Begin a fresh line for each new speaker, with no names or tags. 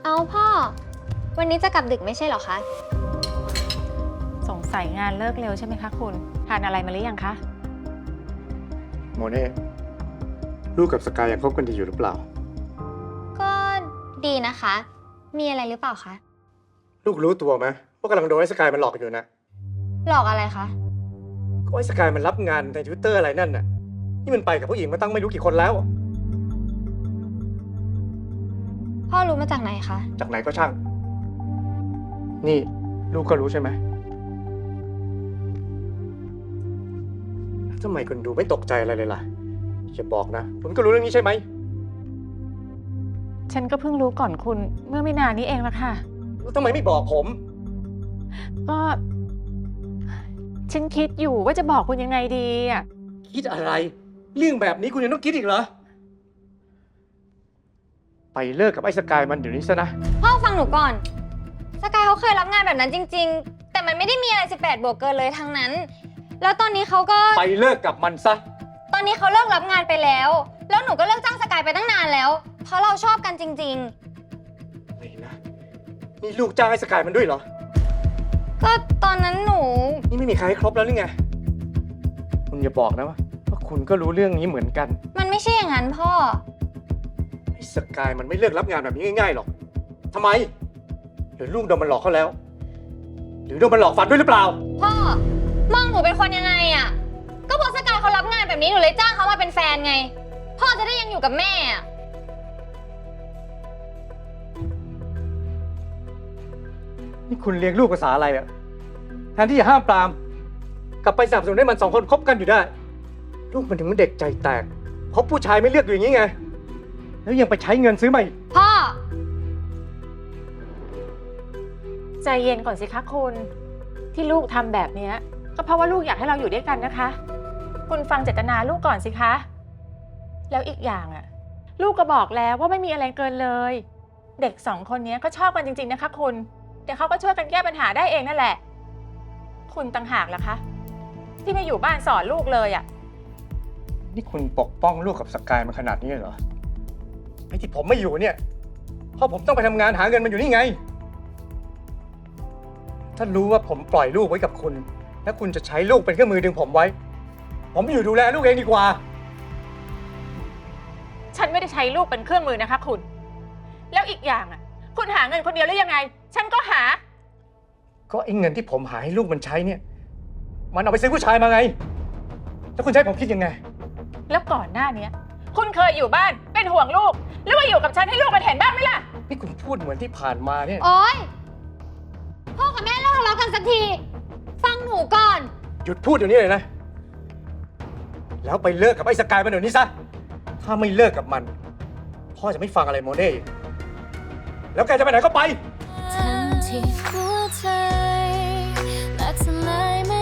เอาพ่อ วันนี้จะกลับดึกไม่ใช่เหรอคะ
สงสัยงานเลิกเร็วใช่ไหมคะคุณทานอะไรมาหรือยังคะ
โมเน่ลูกกับสกายยังคบกันดีอยู่หรือเปล่า
ก็ดีนะคะ มีอะไรหรือเปล่าคะ
ลูกรู้ตัวไหมว่ากำลังโดนไอ้สกายมันหลอกอยู่นะ
หลอกอะไรคะ
ก็ไอ้สกายมันรับงานใน Twitter อะไรนั่นน่ะนี่มันไปกับผู้หญิงมาตั้งไม่รู้กี่คนแล้ว
พ่อรู้มาจากไหนคะ
จากไหนก็ช่าง นี่ลูกก็รู้ใช่ไหมทำไมคุณดูไม่ตกใจอะไรเลยล่ะอย่าบอกนะคุณก็รู้เรื่องนี้ใช่ไหม
ฉันก็เพิ่งรู้ก่อนคุณเมื่อไม่นานนี้เองละค่ะ
แล้วทำไมไม่บอกผม
ก็ฉันคิดอยู่ว่าจะบอกคุณยังไงดีอ่ะ
คิดอะไร เรื่องแบบนี้คุณยังต้องคิดอีกเหรอ ไปเลิกกับไอ้สกายมันเดี๋ยวนี้ซะนะ
พ่อฟังหนูก่อน สกายเขาเคยรับงานแบบนั้นจริง ๆ แต่มันไม่ได้มีอะไร18 บวกเกินเลยทั้งนั้น แล้วตอนนี้เขาก็
ไปเลิกกับมันซะ
ตอนนี้เขาเลิกรับงานไปแล้ว แล้วหนูก็เลิกจ้างสกายไปตั้งนานแล้ว เพราะเราชอบกันจริง
อะไรนะ นี่ลูกจ้างไอ้สกายมันด้วยเหรอ
ๆ ก็ตอนนั้นหนู
นี่ไม่มีใครให้ครบแล้วหรือไง คุณอย่าบอกนะว่าคุณก็รู้เรื่องนี้เหมือนกัน
มันไม่ใช่อย่างนั้นพ่อ
ไอ้สกายมันไม่เลิกรับงานแบบนี้ง่ายๆหรอกทำไม หรือลูกโดนมันหลอกเขาแล้ว หรือโดนมันหลอกฝันด้วยหรือเปล่า
พ่อ มองหนูเป็นคนยังไงอะก็เพราะสกายเขารับงานแบบนี้หนูเลยจ้างเขามาเป็นแฟนไง พ่อจะได้ยังอยู่กับแม่อะ
นี่คุณเลี้ยงลูกภาษาอะไรอะแทนที่จะห้ามปราม กลับไปสนับสนุนให้มันสองคนคบกันอยู่ได้ ลูกมันถึงมันเด็กใจแตก เพราะผู้ชายไม่เลือกอยู่อย่างนี้ไง แล้วยังไปใช้เงินซื้อใหม่
พ่อ
ใจเย็นก่อนสิคะคุณที่ลูกทำแบบเนี้ยก็เพราะว่าลูกอยากให้เราอยู่ด้วยกันนะคะ คุณฟังเจตนาลูกก่อนสิคะแล้วอีกอย่างอ่ะลูกก็บอกแล้วว่าไม่มีอะไรเกินเลย เด็กสองคนนี้ก็ชอบกันจริงๆนะคะคุณเดี๋ยวเขาก็ช่วยกันแก้ปัญหาได้เองนั่นแหละคุณต่างหากล่ะคะที่ไม่อยู่บ้านสอนลูกเลยอ่ะ
นี่คุณปกป้องลูกกับสกายมาขนาดนี้เหรอ ไอ้ที่ผมไม่อยู่เนี่ย เพราะผมต้องไปทำงานหาเงินมันอยู่นี่ไง ถ้ารู้ว่าผมปล่อยลูกไว้กับคุณ แล้วคุณจะใช้ลูกเป็นเครื่องมือดึงผมไว้ ผมอยู่ดูแลลูกเองดีกว่า
ฉันไม่ได้ใช้ลูกเป็นเครื่องมือนะคะคุณแล้วอีกอย่างอ่ะคุณหาเงินคนเดียวหรือยังไง ฉันก็หา
ก็ไอ้เงินที่ผมหาให้ลูกมันใช้เนี่ย มันเอาไปซื้อผู้ชายมาไง แล้วคุณจะให้ผมคิดยังไง
แล้วก่อนหน้านี้คุณเคยอยู่บ้านเป็นห่วงลูกหรือว่าอยู่กับฉันให้ลูกมันเห็นบ้างไหมล่ะ
นี่คุณพูดเหมือนที่ผ่านมาเนี่ย
โอ๊ย พ่อกับแม่เลิกทะเลาะกันสักที ฟังหนูก่อน
หยุดพูดเดี๋ยวนี้เลยนะ แล้วไปเลิกกับไอ้สกายมันเดี๋ยวนี้ซะ ถ้าไม่เลิกกับมัน พ่อจะไม่ฟังอะไรโมเน่อีกแล้วแกจะไปไหนก็ไป
ทันที่หัวใจและทำไมไม่